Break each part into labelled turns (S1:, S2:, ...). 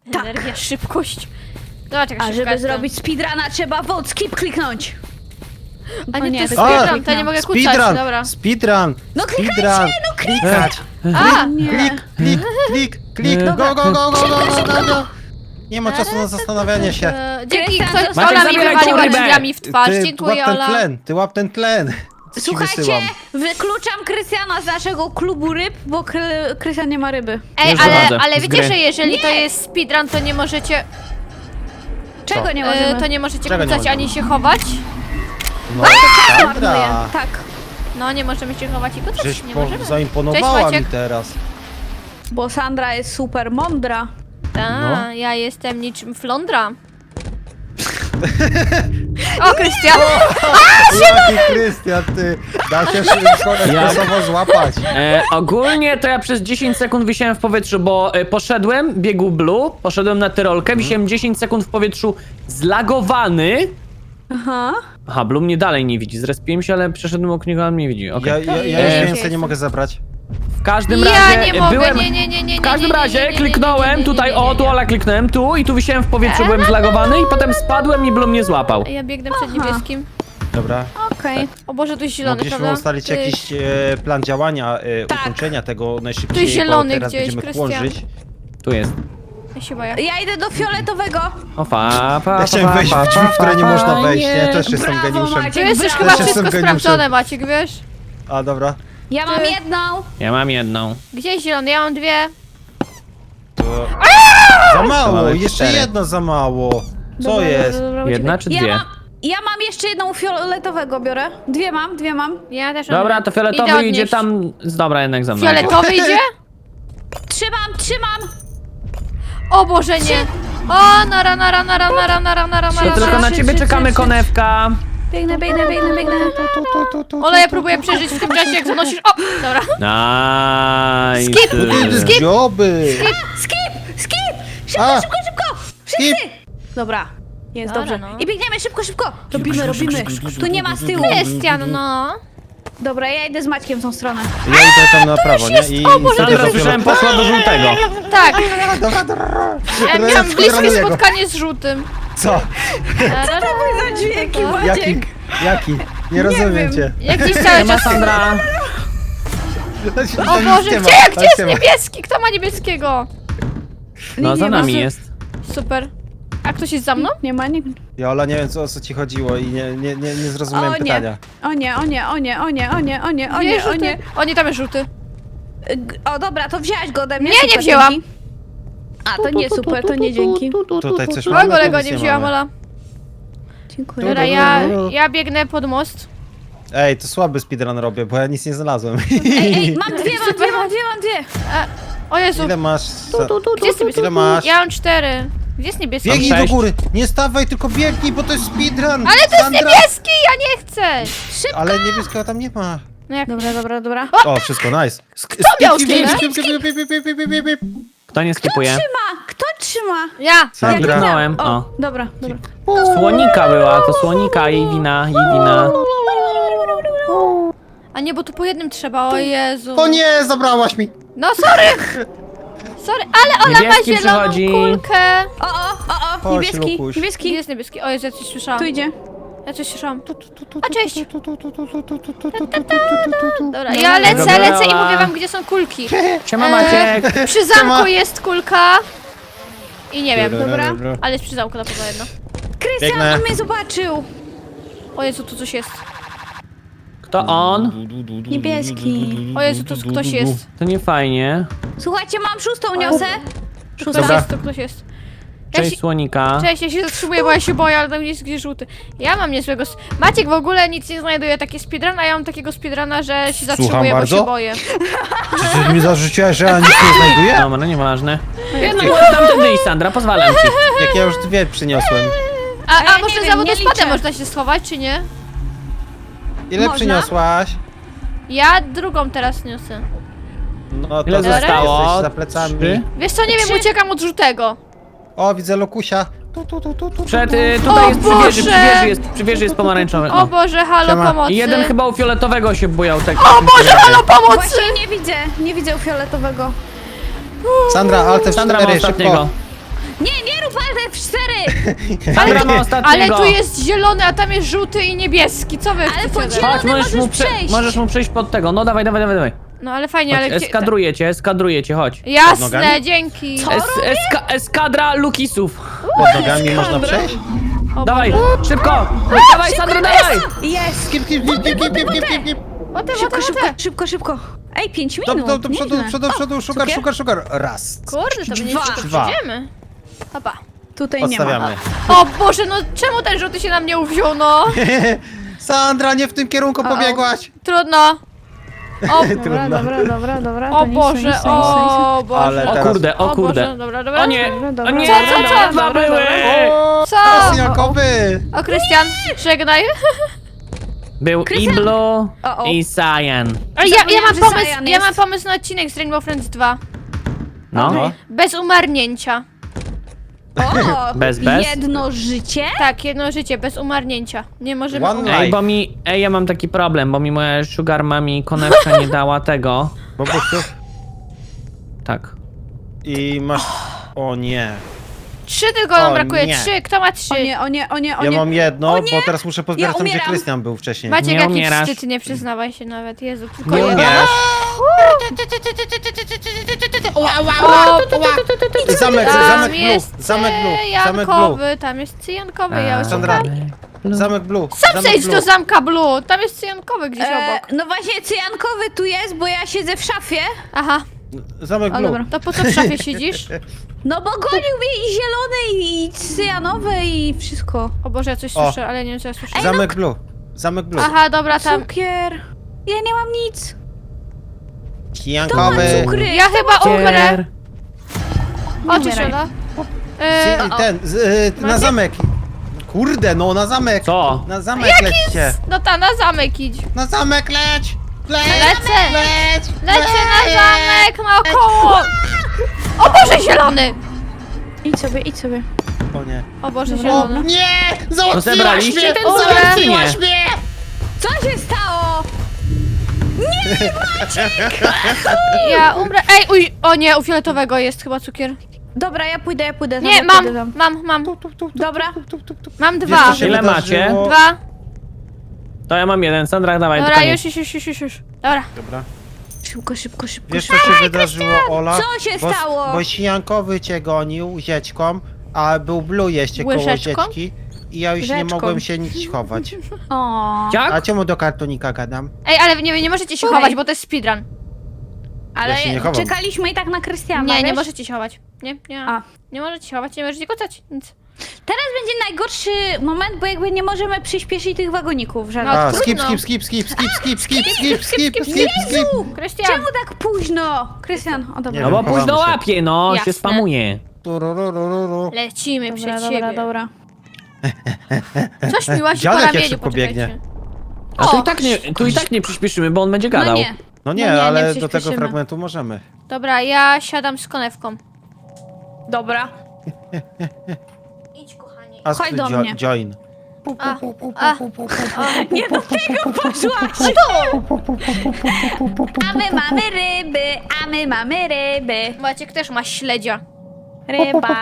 S1: Tak.
S2: Energia, szybkość. Zobacz, jak
S1: A
S2: szybka
S1: żeby
S2: jestem.
S1: zrobić speedruna trzeba vote skip kliknąć.
S2: A nie, to jest
S1: tylko
S2: speedrun, to nie mogę kucać,
S3: Speedrun!
S2: dobra.
S3: Speedrun!
S1: No klikajcie,
S3: Speedrun!
S1: no
S3: Klikać!
S2: A!
S3: Klik! Go, go, go, go, go, go, go! Nie ma czasu na zastanawianie się.
S2: Dzięki,
S1: Krystian,
S2: ktoś
S1: Maciek,
S2: Ola mi
S4: zabieraj
S2: wywaliła
S4: tą rybę.
S2: drzwiami w twarz.
S3: Ty
S2: Dziękuję,
S3: łap ten
S2: Ola.
S3: tlen, ty łap ten tlen. Co ci
S1: Słuchajcie,
S3: wysyłam?
S1: wykluczam Krystiana z naszego klubu ryb, bo Krystian nie ma ryby.
S2: Ej,
S4: Już
S2: ale
S4: wychodzę z
S2: wiecie,
S4: gry.
S2: że jeżeli to jest speedrun, to nie możecie...
S1: Czego nie możemy?
S2: to nie możecie
S3: Czego nie
S2: kucać
S3: możemy?
S2: ani się chować?
S3: No,
S1: Marnuję.
S3: Sandra!
S1: Tak,
S2: No, nie możemy się chować i kucać,
S3: Żeś
S2: nie możemy.
S3: zaimponowała
S2: Cześć,
S3: mi
S2: Maciek.
S3: teraz.
S1: bo Sandra jest super mądra.
S2: Ta, ja jestem niczym flądra. O, Krystian!
S3: Jaki Krystian, ty! Da się szybko złapać.
S4: Ogólnie to ja przez 10 sekund wisiałem w powietrzu, bo poszedłem, biegł Blue, poszedłem na tyrolkę, wisiałem 10 sekund w powietrzu zlagowany.
S1: Aha.
S4: Aha, Blue mnie dalej nie widzi, zrespiłem się, ale przeszedłem obok niego, a on mnie widzi, okej.
S3: Ja już
S4: Jest.
S3: więcej nie mogę zebrać.
S4: W każdym
S2: Ja
S4: razie
S2: nie mogę,
S4: byłem...
S2: nie.
S4: W każdym razie kliknąłem tutaj, o tu Ola kliknąłem tu i tu wisiałem w powietrzu, byłem zlagowany i potem spadłem i Blue mnie złapał.
S2: Ja biegnę przed niebieskim.
S3: Dobra.
S1: Okej.
S2: O Boże, tu jest zielony,
S3: Mogliśmy
S2: prawda?
S3: ustalić
S2: Ty-
S3: jakiś plan działania,
S1: Tak.
S3: ukończenia tego najszybciej,
S2: Tu jest zielony
S3: bo teraz
S2: gdzieś,
S3: będziemy
S2: Krystian.
S3: chłonżyć.
S4: Tu jest.
S2: Ja się boję.
S1: Ja idę do fioletowego.
S4: O fa.
S3: Ja chciałem wejść w drzwi, w które nie można wejść, nie? Też jestem
S1: Brawo,
S3: geniuszem.
S1: Maciek.
S2: Tu jest już
S1: Brawo.
S2: chyba
S3: Też
S2: wszystko
S3: jestem geniuszem.
S2: sprawdzone, Maciek, wiesz?
S3: A, dobra.
S1: Ja mam jedną.
S4: Ja mam jedną.
S2: Gdzie jest zielony? Ja mam dwie.
S3: To... Za mało,
S4: Mamy
S3: jeszcze
S4: 4.
S3: jedno za mało. Co
S1: Dobra,
S3: jest?
S1: dobra, dobra,
S4: Jedna
S1: uciekaj.
S4: czy dwie?
S1: Ja mam jeszcze jedną fioletowego biorę. Dwie mam.
S2: Ja też mam.
S4: Dobra, to
S2: Idę
S4: fioletowy
S2: odnieść.
S4: idzie tam... Dobra, jednak za mną.
S2: Fioletowy idzie?
S1: Trzymam.
S2: O Boże, nie. O, nara.
S4: To tylko na ciebie czekamy, konewka.
S1: Biegnę.
S2: Ola, ja próbuję przeżyć w tym czasie, jak zanosisz. O, dobra.
S4: Nice.
S2: Skip.
S3: Dzioby!
S1: Skip!
S3: A!
S1: Szybko! Wszyscy! Dobra. Jest
S2: Dobra,
S1: dobrze.
S2: no.
S1: I biegniemy szybko. Robimy. Tu nie ma z tyłu.
S2: Krystian, no.
S1: Dobra, ja idę z Maćkiem w tą stronę.
S3: Ja idę tam na prawo, nie? I
S2: O Boże,
S4: Sandra,
S2: to
S4: słyszałem, poszła do żółtego.
S2: Tak. Ja miałam
S3: Teraz
S2: bliskie
S3: skieruję go.
S2: spotkanie z żółtym.
S3: Co?
S1: Za dźwięki,
S3: Jaki? Nie rozumiem cię.
S2: Jak gdzieś cały
S4: Nie ma
S2: czas...
S4: Sandra.
S2: O Boże, gdzie jest niebieski? Kto ma niebieskiego?
S4: No, za
S1: Nie ma.
S4: nami jest.
S2: Super. A ktoś jest za mną?
S1: Nie ma nikt.
S3: Jola, nie wiem o co ci chodziło i nie zrozumiałem pytania.
S1: O nie.
S2: O nie, tam jest żółty.
S1: O dobra, to wzięłaś go ode mnie.
S2: Nie, nie
S1: super,
S2: wzięłam.
S1: dzięki. A, to nie super, to nie dzięki.
S3: Tutaj coś
S2: O,
S3: mamy,
S2: golego
S3: tu nic
S2: nie wzięłam,
S3: mamy.
S2: Ola.
S1: Dziękuję.
S2: Dobra, ja biegnę pod most.
S3: Ej, to słaby speedrun robię, bo ja nic nie znalazłem.
S1: Ej, mam dwie.
S2: O Jezu,
S3: Ile masz?
S2: gdzie jest niebieski?
S3: Ile masz?
S2: Ja mam 4. Gdzie jest niebieski?
S3: Biegnij do
S4: 6.
S3: góry! Nie stawaj, tylko biegnij, bo to jest speedrun!
S2: Ale to jest
S3: Sandra!
S2: niebieski, ja nie chcę.
S3: Ale niebieskiego tam nie ma.
S2: No jak...
S1: Dobra.
S3: O, wszystko, nice. Kto
S2: miał skinę?
S4: Kto nie skipuje?
S1: Kto trzyma?
S2: Ja.
S3: Sandra.
S4: Kliknąłem. O.
S1: Dobra.
S4: Słonika była, to słonika, jej wina.
S2: A nie, bo tu po jednym trzeba, o Jezu.
S3: O nie, zabrałaś mi!
S2: No sorry. Sorry, ale Ola ma
S4: Niebieski
S2: zieloną
S4: przychodzi.
S2: kulkę.
S1: O,
S3: Chodź,
S1: niebieski.
S3: Lukuś.
S2: Gdzie
S1: Niebieski.
S2: jest niebieski? O Jezu, ja coś słyszałam.
S1: Tu idzie.
S2: Ja coś słyszałam. A cześć. Dobra,
S3: No,
S2: ja lecę
S4: Dobra.
S2: i mówię wam, gdzie są kulki.
S4: Siema Maciek.
S2: Przy zamku jest kulka. I nie wiem,
S1: Dobra.
S2: ale jest przy zamku na pewno jedno.
S1: Krystian,
S3: Biegnę.
S1: on mnie zobaczył.
S2: O Jezu, tu coś jest.
S4: Kto on?
S1: Niebieski.
S2: O Jezu, tu ktoś jest.
S4: To nie fajnie.
S1: Słuchajcie, mam szóstą niosę.
S2: Ktoś
S3: Dobra.
S2: jest, tu ktoś jest. Ja
S4: Cześć
S2: się,
S4: słonika.
S2: cześć, ja się zatrzymuję, bo ja się boję, ale tam jest gdzieś żółty. Ja mam niezłego... Maciek w ogóle nic nie znajduje, taki speedrun, a ja mam takiego speedruna, że się zatrzymuję, bo
S3: bardzo?
S2: się boję.
S3: Czy ty mi zarzuciłaś, że ja nic nie znajduję?
S4: Dobra, nieważne. Tamtędy idź, Sandra, pozwalam ci.
S3: Jak ja już dwie przyniosłem.
S2: A
S1: ja
S2: może
S1: nie
S2: za
S1: wiem,
S2: wodospadem
S1: nie liczę.
S2: można się schować, czy nie?
S3: Ile
S1: Można?
S3: przyniosłaś?
S2: Ja drugą teraz niosę.
S3: No to
S4: Ile
S2: zostało?
S3: jesteś za plecami.
S4: 3.
S2: Wiesz co, nie wiem, uciekam od żółtego.
S3: O, widzę Lokusia.
S4: Przed,
S2: O
S4: tutaj jest
S2: Boże!
S4: przy wieży jest pomarańczowy.
S2: O Boże, halo,
S3: Siema.
S2: pomocy.
S4: I jeden chyba u fioletowego się bujał tak.
S2: O Boże, halo, pomocy!
S1: Właśnie nie widzę u fioletowego.
S3: Sandra, Alt
S4: Sandra ma
S3: F4,
S4: ostatniego.
S3: szybko.
S1: Nie rób F4!
S4: Sandra ma ostatniego.
S2: Ale tu jest zielony, a tam jest żółty i niebieski. Co wy
S1: Ale
S2: chcecie
S1: pod
S2: ode
S1: zielony-
S2: mnie?
S4: Chodź,
S1: możesz przejść.
S4: możesz mu przejść pod tego. No dawaj.
S2: No ale fajnie, ale
S4: Chodź,
S2: gdzie...
S4: eskadrujecie, chodź.
S2: Jasne,
S3: nogami?
S2: dzięki.
S4: Eskadra Lukisów.
S3: Pod nogami można przejść?
S2: O
S4: Dawaj,
S2: Boże.
S4: szybko! Dawaj, Sandra, dawaj!
S1: Jest!
S3: Skip.
S2: O te.
S1: Szybko. Ej, 5
S3: Do
S1: minut.
S3: przodu, szukar. Raz.
S2: Kurde, to będzie
S1: Dwa.
S2: szybko
S3: Dwa.
S2: przejdziemy. Hopa.
S1: Tutaj nie ma.
S3: Odstawiamy.
S2: O Boże, no czemu ten żółty się na mnie uwziął, no?
S3: Sandra, nie w tym kierunku pobiegłaś.
S2: Trudno. O,
S1: Dobra.
S2: o Boże, o Boże.
S3: Ale
S4: O
S3: teraz-
S4: kurde, o kurde.
S2: Boże, dobra.
S4: O nie, o nie,
S2: Co?
S4: dwa były!
S2: Co?
S3: Jasniakowy.
S2: O, Krystian, żegnaj.
S4: Był i
S1: Krystian.
S4: Blue,
S1: O.
S4: i Cyan.
S1: Zapomniałam, że Cyan
S2: Ja
S1: jest.
S2: mam pomysł na odcinek z Rainbow Friends 2.
S4: No.
S2: Bez umarnięcia.
S1: O,
S4: Bez.
S1: jedno życie?
S2: Tak, jedno życie, bez umarnięcia. Nie możemy
S3: One
S2: umrzeć.
S3: life.
S4: Ja mam taki problem, bo mi moja sugar mami konewka nie dała tego.
S3: Bobusiu.
S4: Tak.
S3: I masz... O nie.
S2: 3 tylko nam
S3: O,
S2: brakuje,
S3: nie.
S2: 3. Kto ma 3?
S1: O nie.
S3: Ja mam jedno,
S1: O nie.
S3: bo teraz muszę pozbierać tam, gdzie
S1: umieram.
S3: Krystian był wcześniej.
S2: Maciek,
S4: Nie
S2: jaki
S4: umierasz.
S2: wstyd, nie przyznawaj się nawet, Jezu, tylko
S3: Nie
S2: jedno.
S3: umierasz. Zamek
S2: Tam
S3: blue,
S2: jest
S3: zamek blue.
S2: cyjankowy, tam jest cyjankowy, ja już
S3: Sandra.
S2: szukam.
S3: Zamek blue.
S2: Sam
S3: zamek
S2: przejdź
S3: blue.
S2: do zamka blue, tam jest cyjankowy gdzieś obok.
S1: No właśnie, cyjankowy tu jest, bo ja siedzę w szafie.
S2: Aha,
S3: Zamek
S1: O,
S3: blue.
S1: dobra.
S2: to po co w szafie siedzisz?
S1: No bo gonił mnie i zielony, i cyjanowy, i wszystko.
S2: O Boże, ja coś
S3: O.
S2: słyszę, ale nie wiem co ja słyszę.
S3: Zamek blue. Zamek blue.
S2: Aha, dobra, tam.
S1: Cukier. Ja nie mam nic.
S3: Kijankowy.
S1: cukry.
S2: Ja chyba umrę. O, czy
S1: umieraj.
S2: się da?
S3: Na
S2: Macie?
S3: zamek. Kurde, no na zamek.
S4: Co?
S3: Na zamek lećcie.
S2: No ta, na zamek idź.
S3: Na zamek leć.
S2: Lecę.
S3: Leć.
S2: Lecę na zamek, naokoło. O Boże, zielony.
S1: Idź sobie.
S3: O nie.
S2: O Boże,
S3: O
S2: zielony.
S3: nie!
S4: To
S3: Załatwiłaś
S4: zebraliście
S3: mnie!
S4: ten
S2: zamek,
S3: Załatwiłaś
S4: czy
S3: mnie!
S1: Co się stało?
S2: Ja umrę. Ej, uj, o nie, u fioletowego jest chyba cukier.
S1: Dobra, ja pójdę.
S2: Nie, mam.
S1: Dobra.
S2: Mam
S3: Wiesz,
S2: 2.
S3: co się
S4: Ile
S3: wydarzyło?
S4: macie?
S2: 2.
S4: To ja mam jeden. Sandra, dawaj,
S2: Dobra,
S4: koniec.
S2: już. Dobra.
S3: Dobra.
S1: Szybko.
S3: Wiesz, co się wydarzyło, Ola?
S1: co się stało?
S3: Bo Sijankowy cię gonił zieczką, a był Blue jeszcze koło
S2: Łyżeczką?
S3: zieczki. I ja już nie
S1: Łyżeczką.
S3: mogłem się nic chować.
S1: O.
S3: A
S4: Jak?
S3: czemu do kartonika gadam?
S2: Ej, ale nie możecie się
S1: Słuchaj.
S2: chować, bo to jest speedrun.
S1: Ale
S3: Ja się nie chowam.
S1: czekaliśmy i tak na Krystiana,
S2: Nie
S1: wiesz?
S2: możecie się chować. Nie.
S1: A.
S2: Nie możecie się chować, nie możecie kocać. Nic.
S1: Teraz będzie najgorszy moment, bo jakby nie możemy przyspieszyć tych wagoników, żadnych.
S2: No,
S3: A,
S2: trudno.
S3: skip.
S1: Jezu!
S2: Krystian.
S1: Czemu tak późno? Krystian, o dobra.
S3: Nie
S4: No bo
S3: wiem,
S4: późno
S3: chowamy się.
S4: łapie, no,
S2: Jasne.
S4: się spamuje.
S3: Tururururu.
S2: Lecimy przed siebie.
S1: Dobra.
S2: Coś mi łazi po
S3: Dziadek jak
S2: ramieniu,
S3: szybko
S2: poczekajcie.
S3: biegnie.
S4: A tu i tak nie przyspieszymy, bo on będzie
S1: No
S4: gadał.
S1: nie.
S3: No nie,
S1: No nie,
S3: ale
S1: nie
S3: do tego
S1: przyspieszymy.
S3: fragmentu możemy.
S2: Dobra, ja siadam z konewką.
S1: Dobra.
S2: Idź, kochanie.
S3: Ask
S1: Chodź do
S3: to
S1: mnie.
S3: join.
S1: Nie do tego poszłaś. A my mamy ryby.
S2: Maciek też ma śledzia.
S1: Ryba.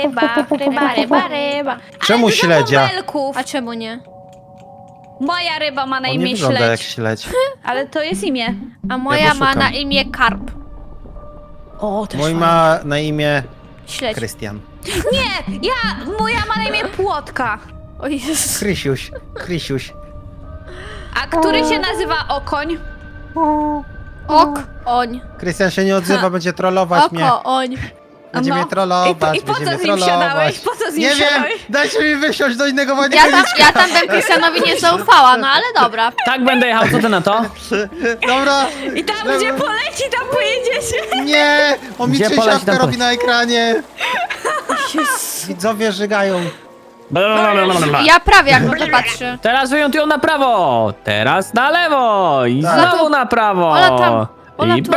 S3: Czemu
S1: Ale dużo
S3: śledzia?
S1: bąbelków.
S2: A czemu nie?
S1: Moja ryba ma na
S3: On nie
S1: imię
S3: wygląda jak
S1: śledź.
S3: śledź.
S1: Ale to jest imię.
S2: A moja ma
S3: poszukam.
S2: na imię karp.
S1: O, też
S3: Mój ma na imię
S2: Śledź.
S3: Krystian.
S1: Nie, moja ma na imię Płotka.
S2: O Jezus.
S3: Krysiuś.
S1: A który się nazywa Okoń?
S2: Oń.
S3: Krystian się nie odzywa, będzie trollować mnie.
S2: Oń.
S3: Będzie
S1: No.
S3: mnie trollować,
S1: I po co
S3: będzie mnie
S1: z nim
S3: trollować.
S1: siadałeś? Po co z nim
S3: Nie wiem,
S1: siadałeś?
S3: dajcie mi wysiąść do innego wodnika.
S2: Ja tam bym Krystianowi nie zaufała, no ale dobra.
S4: Tak będę jechał, co ty na to?
S3: Dobra.
S1: I tam gdzie poleci, tam pojedziecie.
S3: Nie, on mi
S4: Gdzie poleci,
S3: trzęsiawkę
S4: tam
S3: robi
S4: poleci.
S3: na ekranie. Widzowie żygają.
S2: Ja prawie jak na to patrzę.
S4: Teraz wyjątują na prawo, teraz na lewo i
S3: Tak.
S4: znowu na prawo.
S2: Ola tam, Ola
S4: I
S2: tu.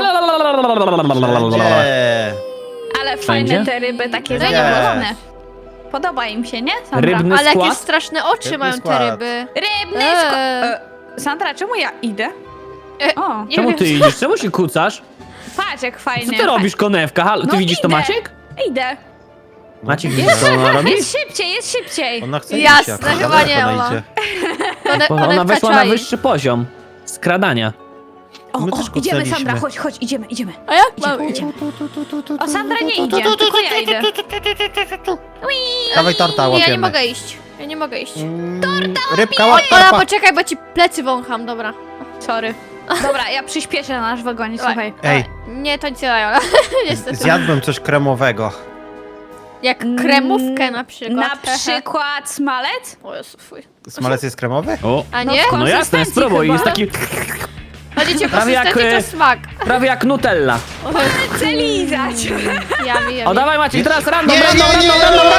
S3: Gdzie?
S1: Ale fajne
S4: Wszędzie?
S1: te ryby, takie
S3: Wszędzie.
S1: zadowolone. Podoba im się, nie, Sandra?
S4: Rybny
S2: Ale jakie
S4: skład?
S2: straszne oczy
S3: Rybny
S2: mają te
S3: skład.
S2: ryby.
S1: Rybny Sandra, czemu ja idę? O,
S2: Nie
S4: Czemu
S2: wiem.
S4: ty idziesz? Czemu się kucasz?
S1: patrz jak
S4: Co
S1: fajnie.
S4: ty robisz, konewka? Halo, ty
S1: No
S4: widzisz to,
S1: idę.
S4: Maciek?
S1: Idę.
S4: Maciek, widzisz co ona robi?
S1: Jest szybciej.
S3: Ona chce
S2: Jasne,
S3: iść jak
S2: chyba nie,
S3: ona
S2: Ola.
S3: idzie.
S4: Bo ona weszła na wyższy poziom skradania.
S1: O,
S3: My
S1: o,
S3: też
S1: idziemy
S3: kucnęliśmy.
S1: Sandra, chodź, idziemy.
S2: A jak mam
S1: Idzie,
S2: iść?
S1: O, Sandra nie idzie, tylko ja idę.
S3: Dawaj torta,
S2: Nie, ja
S3: łapiemy.
S2: nie mogę iść. Ja nie mogę iść.
S3: Rybka,
S2: O,
S3: łap
S2: Ola,
S3: torta.
S2: poczekaj, bo ci plecy wącham, dobra.
S1: Sorry. Dobra, ja przyspieszę na nasz wagonie, słuchaj.
S3: Ej,
S2: Nie, to nic nie daje, Ola. Niestety.
S3: zjadłem coś kremowego.
S2: Jak kremówkę na przykład.
S1: Na przykład smalec?
S2: O Jezu, fuj.
S3: Smalec jest kremowy?
S4: O,
S2: A
S1: No
S2: nie?
S1: w
S4: no jasne,
S1: konsystencji
S4: spróbuj,
S1: chyba.
S4: jest taki
S2: Będziecie
S4: Prawie jak,
S2: konsystencji, to smak.
S4: prawie jak Nutella.
S1: Chcę lizać.
S2: Jami,
S4: O,
S2: jami.
S4: dawaj Maciek, teraz random,
S3: Nie,
S4: random,
S3: nie, nie,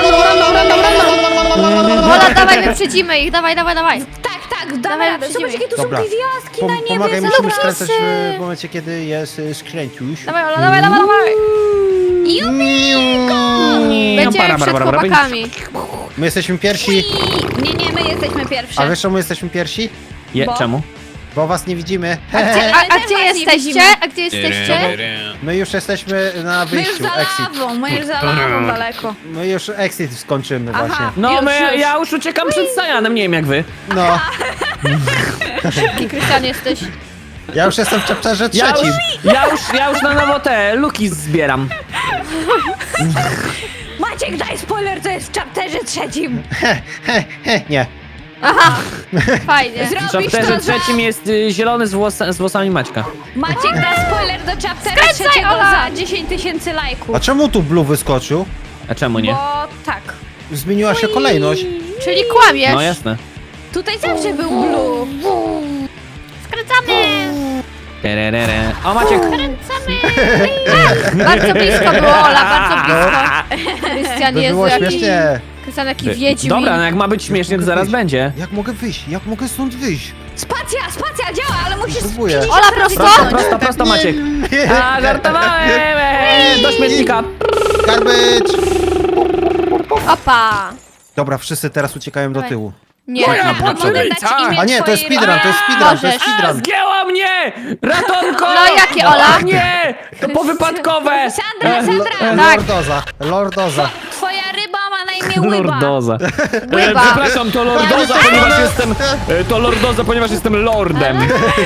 S2: Ola, dawaj, wyprzedzimy ich, dawaj.
S1: Tak, damy
S2: Dawaj,
S1: radę.
S2: przyjdziemy.
S1: Zobacz, jakie tu są
S3: Dobra.
S1: gwiazdki na niebie.
S3: Pomagaj,
S1: zobacz.
S3: musimy skręcać
S2: Prosy.
S3: w momencie, kiedy jest skręciuś.
S2: Dawaj, Ola, dawaj. Będziemy przed chłopakami.
S3: My jesteśmy pierwsi.
S1: Nie, my jesteśmy pierwsze.
S3: A wiesz czemu jesteśmy pierwsi?
S4: Bo? Czemu?
S3: Bo was nie widzimy.
S2: A
S1: też
S2: gdzie
S1: was nie
S2: jesteście?
S1: widzimy.
S2: A gdzie jesteście?
S3: My już jesteśmy na
S1: My już
S3: wyjściu,
S1: za
S3: exit.
S1: lawą, daleko.
S3: My już exit skończymy
S1: Aha.
S3: właśnie.
S4: No,
S1: Już.
S4: ja już uciekam przed Sajanem, nie wiem jak wy.
S3: No,
S2: Jaki Krystian jesteś?
S3: ja już jestem w chapterze
S4: Ja
S3: trzecim.
S4: ja już na nowo te luki zbieram.
S1: Maciek, daj spoiler, to jest w chapterze trzecim.
S3: Nie.
S2: Aha, fajnie.
S4: W
S1: Zrobisz to
S4: chapterze
S1: za...
S4: trzecim jest zielony z włosami Maćka.
S1: Maciek, da spoiler do chaptera
S2: Skręcaj,
S1: trzeciego
S2: Ola!
S1: za 10 000 lajków.
S3: A czemu tu Blue wyskoczył?
S4: A czemu nie?
S1: Bo tak.
S3: Zmieniła się kolejność.
S2: Czyli kłamiesz.
S4: No jasne.
S1: Tutaj zawsze był blue.
S2: Skręcamy.
S4: Tererere. O Maciek!
S2: Bardzo blisko było, Ola, bardzo blisko. Krystian,
S3: To
S2: Jezu,
S3: było
S2: jaki...
S3: śmiesznie.
S2: Krystian, jaki wiedźmin.
S4: Dobra, no jak ma być śmiesznie, to zaraz będzie.
S3: Jak mogę wyjść? Jak mogę stąd wyjść?
S1: Spacja działa, ale musisz
S3: Próbuję.
S1: 50
S2: Ola,
S1: razy
S2: prosto?
S1: kliknąć.
S4: Prosto, Maciek. A, żartowałem! Do śmietnika.
S3: Garbage!
S2: Opa.
S3: Dobra, wszyscy teraz uciekają do
S2: Dawaj.
S3: tyłu.
S2: Nie.
S1: Mogę dać imię
S3: A nie, to jest
S1: twojej
S3: speedrun, to jest speedrun, to jest
S2: Możesz.
S3: speedrun.
S4: Zgięła mnie! Ratunko!
S2: No jakie, Ola?
S4: O nie! To powypadkowe!
S1: Sandra!
S3: Lordoza.
S1: Twoja ryba ma na imię Łyba.
S4: Lordoza.
S2: Łyba.
S4: Przepraszam, to Lordoza, ponieważ jestem... To Lordoza, ponieważ jestem lordem.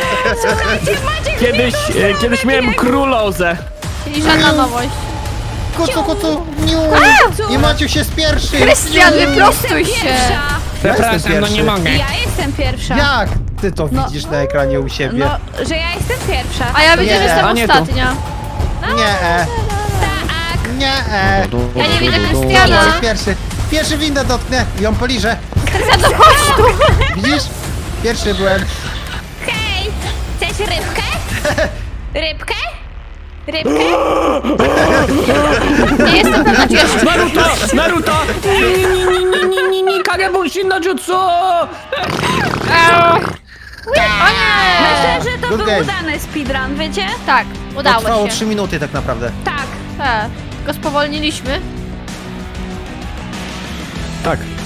S4: Kiedyś miałem królozę.
S2: Czyli żadna nowość.
S3: Kucu, niu. I Maciu się spierszy.
S2: Krystian, wyprostuj się.
S1: Pierwsza.
S4: Przepraszam, no nie
S3: pierwszy.
S4: mogę.
S1: Ja jestem pierwsza.
S3: Jak ty to
S1: No.
S3: widzisz na ekranie u siebie?
S1: No, że ja jestem pierwsza.
S2: A ja wiedziałem,
S3: Nie.
S2: że
S4: A
S2: jestem
S4: nie tu.
S2: ostatnia.
S3: Nie,
S1: Tak.
S3: nie.
S2: Ja nie widzę
S3: Ja
S2: Krystiana.
S3: się pierwszy. Pierwszy windę dotknę i ją poliżę.
S2: Krystian, no chodź tu.
S3: Widzisz? Pierwszy byłem.
S1: Hej, chcesz rybkę? Rybkę? Rybkę?
S2: Nie jestem pewna, czy jeszcze...
S4: Naruto! Ni, Kagebushin no jutsu!
S2: O nie!
S1: Myślę, że to
S3: Good
S1: był
S3: game.
S1: udany speedrun, wiecie?
S2: Tak,
S3: To
S2: udało
S3: trwało
S2: się.
S3: 3 minuty tak naprawdę.
S1: Tak.
S2: Tak, tylko spowolniliśmy.
S4: Tak.